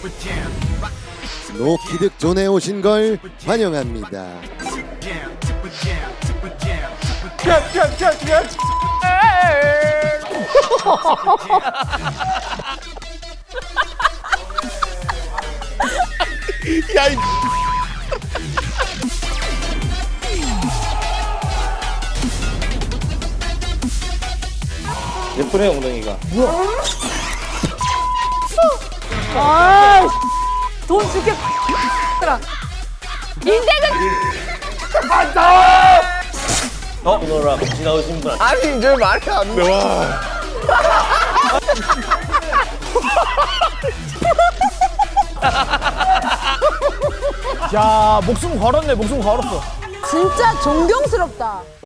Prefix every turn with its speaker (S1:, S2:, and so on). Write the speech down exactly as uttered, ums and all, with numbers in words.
S1: 노키득존에 오신 걸 환영합니다.
S2: 야, 이
S3: 예쁘네 엉덩이가.
S4: 아, 돈 줄게. 인생은
S3: 어? 오너라 같이 나오신 분.
S2: 아니 이제 말이 안 돼. 와.
S5: 야, 목숨 걸었네, 목숨 걸었어.
S4: 진짜 존경스럽다.